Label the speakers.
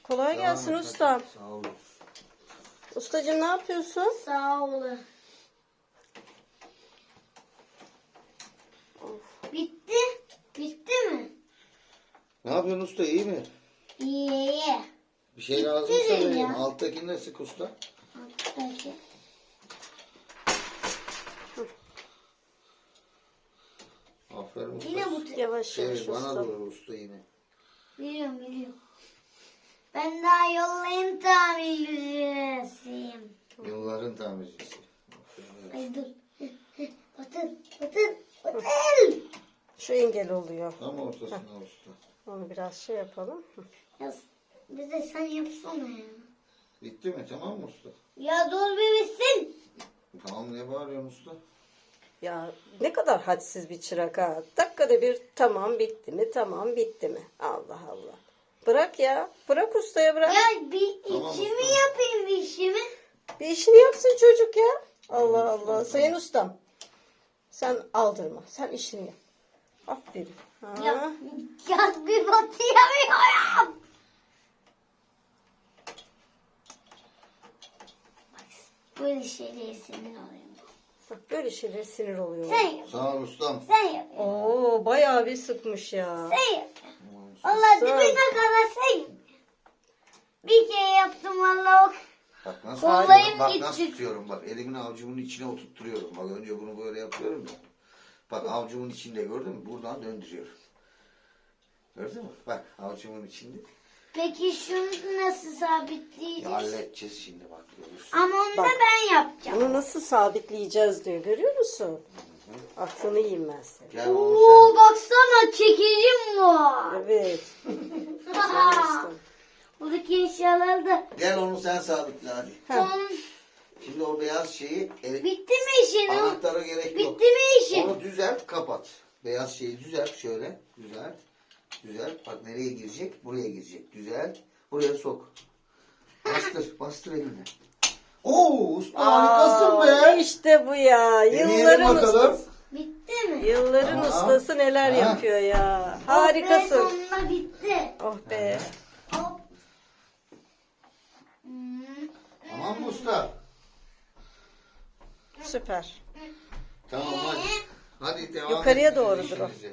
Speaker 1: Kolay gelsin ustam.
Speaker 2: Sağ olun.
Speaker 1: Ustacığım ne yapıyorsun?
Speaker 3: Sağ olun. Bitti. Bitti mi?
Speaker 2: Ne yapıyorsun usta, iyi mi?
Speaker 3: İyi.
Speaker 2: Bir şey lazımsa
Speaker 3: değil
Speaker 2: vereyim.
Speaker 3: ya.
Speaker 2: Alttakini de sık usta.
Speaker 3: Peki.
Speaker 2: Aferin usta.
Speaker 3: Yine bu
Speaker 1: Yavaş yavaş
Speaker 2: Şey, bana
Speaker 1: ustam.
Speaker 2: doğru usta yine.
Speaker 3: biliyorum. Ben daha yollayın tamircisiyim.
Speaker 2: Yılların tamircisi. Aferin.
Speaker 3: Ay dur. Batır.
Speaker 1: Şu engel oluyor.
Speaker 2: Tam ortasına usta.
Speaker 1: Onu biraz şey yapalım.
Speaker 3: Ya bir de sen yapsana ya.
Speaker 2: Bitti mi? Tamam mı usta?
Speaker 3: Ya dur bir bitsin.
Speaker 2: Tamam, ne bağırıyorsun usta?
Speaker 1: Ya ne kadar hadsiz bir çırak ha. Dakikada bir tamam bitti mi, tamam bitti mi? Allah Allah. Bırak ya. Bırak ustaya bırak.
Speaker 3: Ya bir
Speaker 2: Tamam,
Speaker 3: içimi
Speaker 2: usta.
Speaker 3: yapayım bir işimi.
Speaker 1: Bir işini yapsın çocuk ya. Allah Allah. Sayın ustam. Sen aldırma. Sen işini yap. Aferin. Ha.
Speaker 3: Ya bir batıyamıyorum. Böyle şeyleri sinir oluyorum.
Speaker 1: Bak böyle şeyler sinir oluyor.
Speaker 3: Sen yap.
Speaker 2: Sağ ol ustam.
Speaker 3: Sen yap.
Speaker 1: Oo bayağı bir sıkmış ya.
Speaker 3: Sen yap.
Speaker 2: Tamam usta.
Speaker 3: Vallahi
Speaker 1: Sen-
Speaker 3: dibine kadar sen yap. Bir kere yaptım vallahi.
Speaker 2: Bak nasıl,
Speaker 3: Kollayım
Speaker 2: bak
Speaker 3: gitti.
Speaker 2: nasıl tutuyorum. Bak elimin avucumun içine oturtturuyorum. Bak önce bunu böyle yapıyorum ya. Bak avucumun içinde, gördün mü? Buradan döndürüyorum. Gördün mü? Bak avucumun içinde.
Speaker 3: Peki şunu nasıl
Speaker 2: Ya
Speaker 3: sabitleyeceğiz?
Speaker 2: halledeceğiz şimdi, bak görürsün.
Speaker 3: Ama onu da
Speaker 1: Bak.
Speaker 3: ben yapacağım.
Speaker 1: Bunu nasıl sabitleyeceğiz diyor. Görüyor musun? Aklını yiyeyim ben senin.
Speaker 2: Gel onu
Speaker 3: Oo baksana çekicim var.
Speaker 1: Evet. Sayın ustam.
Speaker 3: Buradaki eşyalar da
Speaker 2: Gel onu sen sabitle hadi.
Speaker 3: son.
Speaker 2: Şimdi o beyaz şeyi
Speaker 3: Bitti mi işin?
Speaker 2: anahtara gerek yok.
Speaker 3: Bitti mi işin?
Speaker 2: Onu düzelt, kapat. Beyaz şeyi düzelt şöyle. Düzelt. Düzelt. Bak nereye girecek? Buraya girecek. Düzelt. Buraya sok. Bastır. Bastır eline. Oo, usta harikasın be.
Speaker 1: İşte bu ya.
Speaker 2: Deneyelim
Speaker 1: Yılların
Speaker 2: bakalım.
Speaker 1: ustası.
Speaker 3: Bitti mi?
Speaker 1: Yılların
Speaker 2: Tamam.
Speaker 1: ustası neler
Speaker 2: Ha.
Speaker 1: yapıyor ya.
Speaker 3: Oh be,
Speaker 1: Harikasın.
Speaker 3: sonunda bitti.
Speaker 1: Oh be.
Speaker 3: Hop. Hmm.
Speaker 2: Tamam mı usta?
Speaker 1: Süper.
Speaker 2: Tamam hadi. Hadi devam
Speaker 1: Yukarıya
Speaker 2: ettiniz
Speaker 1: doğrudur o.
Speaker 2: işinize.